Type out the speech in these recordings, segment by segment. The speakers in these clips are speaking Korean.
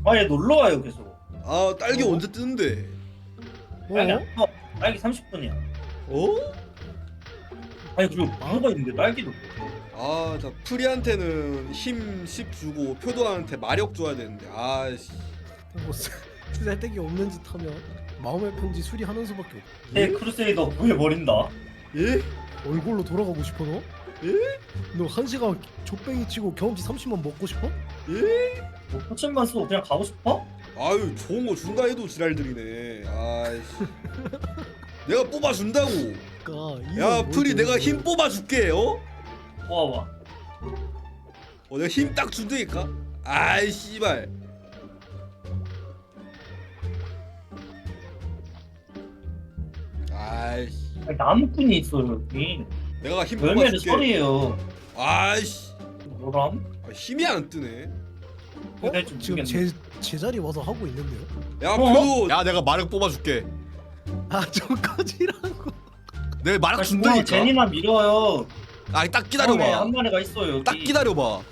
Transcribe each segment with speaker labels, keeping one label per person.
Speaker 1: 아얘 놀러 와요 계속.
Speaker 2: 아 딸기 언제 뜨는데?
Speaker 1: 딸기
Speaker 3: 어?
Speaker 1: 안 떠. 딸기 30분이야.
Speaker 2: 어?
Speaker 1: 아니 그리고 뭐가 있는데 딸기도.
Speaker 2: 아, 나 프리한테는 힘 10 주고 표도한테 마력 줘야 되는데. 아씨.
Speaker 3: 뭐 쓸데기 없는 짓 하면 마음의 편지 수리하는 수밖에 없.
Speaker 1: 제 크루세이더 구해버린다.
Speaker 2: 예?
Speaker 3: 얼굴로 돌아가고 싶어 너?
Speaker 2: 예?
Speaker 3: 너 한 시간 족뱅이 치고 경험치 30만 먹고 싶어?
Speaker 2: 예?
Speaker 1: 뭐 포천만 쓰고 그냥 가고 싶어?
Speaker 2: 아유, 좋은 거 준다 해도 지랄들이네. 아이씨. 내가 뽑아 준다고.
Speaker 3: 그러니까
Speaker 2: 야, 프리 내가 힘 뽑아 줄게. 어?
Speaker 1: 와.
Speaker 2: 내가 힘 딱 준다니까. 아이 씨발. 아이씨.
Speaker 1: 아니, 나무꾼이 있어 여기.
Speaker 2: 내가 힘 뽑아
Speaker 1: 열매는
Speaker 2: 줄게.
Speaker 1: 설이에요.
Speaker 2: 아이씨.
Speaker 1: 뭐람?
Speaker 2: 아, 힘이 안 뜨네.
Speaker 1: 어? 좀
Speaker 3: 지금
Speaker 1: 모르겠네.
Speaker 3: 제 자리 와서 하고 있는데요?
Speaker 2: 야,
Speaker 1: 어?
Speaker 2: 표도.
Speaker 4: 야 내가 마력 뽑아줄게.
Speaker 3: 아좀 꺼지라고.
Speaker 4: 내 마력
Speaker 1: 아,
Speaker 4: 준다니까.
Speaker 1: 제니나 밀어요.
Speaker 4: 아니 딱
Speaker 1: 처음에
Speaker 4: 기다려봐.
Speaker 1: 한 마리가 있어요 여기.
Speaker 4: 딱 기다려봐.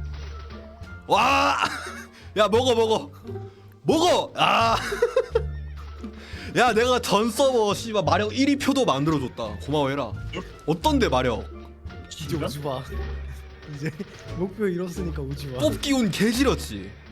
Speaker 4: 와. 야 먹어. 아. 야 내가 전 서버 씨발 마력 1위 표도 만들어줬다. 고마워해라. 어떤데 마력?
Speaker 3: 이제 오지 마. 이제 목표 이뤘으니까 오지 마.
Speaker 4: 뽑기 운 개지렸지.